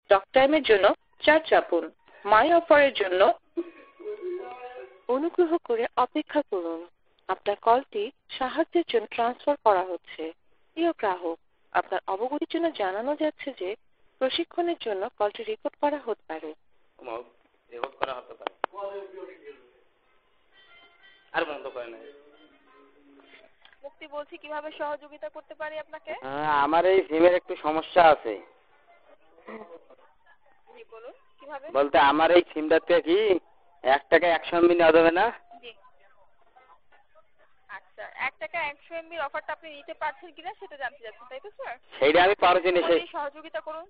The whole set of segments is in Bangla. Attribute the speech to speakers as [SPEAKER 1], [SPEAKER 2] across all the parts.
[SPEAKER 1] টক টাইমের জন্য 4 চাপুন। মাই অফারের জন্য অনুগ্রহ করে অপেক্ষা করুন। আপনার কলটি সাহায্যের জন্য ট্রান্সফার করা হচ্ছে। প্রিয় গ্রাহক, আপনার অবগতির জন্য জানানো যাচ্ছে যে প্রশিক্ষণের জন্য কলটি রেকর্ড করা হতে পারে।
[SPEAKER 2] আর বন্ধ করে না।
[SPEAKER 3] মুক্তি বলছি, কিভাবে সহযোগিতা করতে পারি আপনাকে?
[SPEAKER 2] আমার এই সিমের একটু সমস্যা আছে।
[SPEAKER 3] জি বলুন, কিভাবে?
[SPEAKER 2] বলতে আমার এই সিমটাতে কি 1 টাকা 100 MB নেওয়া যাবে না?
[SPEAKER 3] জি আচ্ছা, 1 টাকা 100 MB অফারটা আপনি নিতে পারছেন কিনা সেটা জানতে চাচ্ছেন, তাই তো স্যার?
[SPEAKER 2] সেইটা আমি পারছি না। সেই
[SPEAKER 3] সহযোগিতা করুন।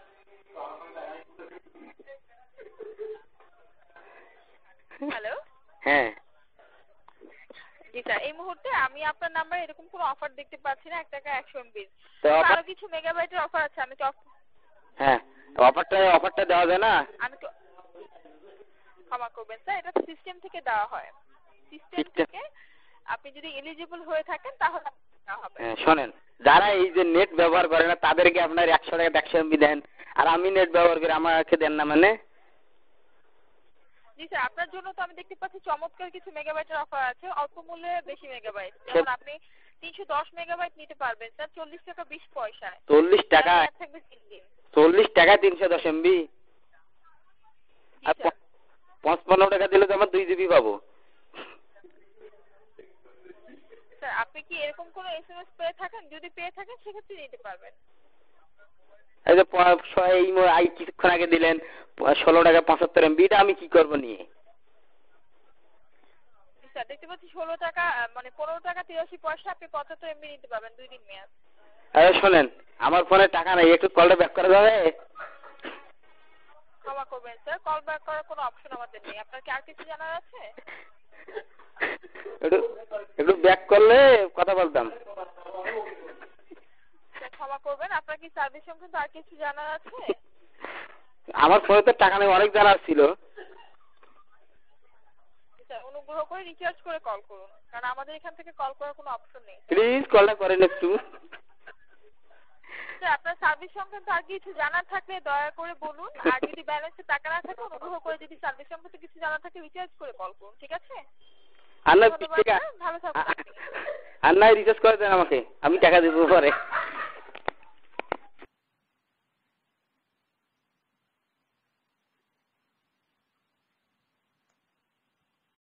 [SPEAKER 3] হ্যালো।
[SPEAKER 2] হ্যাঁ
[SPEAKER 3] জি স্যার, এই মুহূর্তে আমি আপনার নাম্বারে এরকম কোনো অফার দেখতে পাচ্ছি না 1 টাকা 100 MB।
[SPEAKER 2] তো
[SPEAKER 3] আরো কিছু মেগাবাইটের অফার আছে। আমি তো
[SPEAKER 2] হ্যাঁ অফারটা দেওয়া যায় না?
[SPEAKER 3] আমি তো ক্ষমা করবেন স্যার, এটা সিস্টেম থেকে দেওয়া হয়। সিস্টেম থেকে আপনি যদি এলিজিবল হয়ে থাকেন তাহলে দেওয়া হবে।
[SPEAKER 2] শোনেন, যারা এই যে নেট ব্যবহার করে না তাদেরকে আপনার 100 টাকা 100 MB দেন, আর আমি নেট ব্যবহার করি আমাকে দেন না মানে?
[SPEAKER 3] জি স্যার, আপনার জন্য তো আমি দেখতে পাচ্ছি চমৎকার কিছু মেগাবাইটের অফার আছে, অল্প মূল্যে বেশি মেগাবাইট। যেমন আপনি 310 মেগাবাইট নিতে পারবেন স্যার 40 টাকা 20 পয়সায়।
[SPEAKER 2] 40 টাকা?
[SPEAKER 3] থাকবে 3 দিন।
[SPEAKER 2] 40 টাকা 310 MB? আর 55 টাকা দিলে তো আমার 2 GB পাবো।
[SPEAKER 3] স্যার আপনি কি এরকম কোনো SMS পেয়ে থাকেন? যদি পেয়ে থাকেন সেক্ষেত্রে নিতে পারবেন।
[SPEAKER 2] এই যে কিছুক্ষণ আগে দিলেন 16 টাকা 75 MB, এটা আমি কি করব নিয়ে?
[SPEAKER 3] স্যার দেখতে পাচ্ছি 16 টাকা মানে 15 টাকা 83 পয়সা আপনি 75 MB নিতে পারবেন 2 দিন মেয়াদ।
[SPEAKER 2] শোনেন, আমার ফোনে টাকা নাই, একটু কলটা ব্যাক করা যাবে?
[SPEAKER 3] ক্ষমা করবেন স্যার, কল ব্যাক করার কোনো অপশন আমাদের নেই। আপনার কি আর কিছু জানার আছে?
[SPEAKER 2] একটু ব্যাক করলে কথা বলতাম।
[SPEAKER 3] ক্ষমা করবেন, আপনার কি সার্ভিস সংক্রান্ত আর কিছু জানার আছে?
[SPEAKER 2] আমার ফোনে তো টাকা নেই, অনেক জানার ছিল।
[SPEAKER 3] অনুগ্রহ করে রিচার্জ করে কল করুন, কারণ আমাদের এখান থেকে কল করার কোনো অপশন নেই।
[SPEAKER 2] প্লিজ কলটা করেন একটু।
[SPEAKER 3] আপনার সার্ভিস সংক্রান্ত আর কিছু জানার থাকলে দয়া করে বলুন, আর যদি ব্যালেন্সে টাকা না থাকে অনুগ্রহ করে যদি সার্ভিস সংক্রান্ত কিছু জানার থাকে রিচার্জ করে কল করুন, ঠিক আছে?
[SPEAKER 2] আর না
[SPEAKER 3] ভালো থাকবেন।
[SPEAKER 2] আর না রিচার্জ করে দেন আমাকে, আমি টাকা দেবো পরে।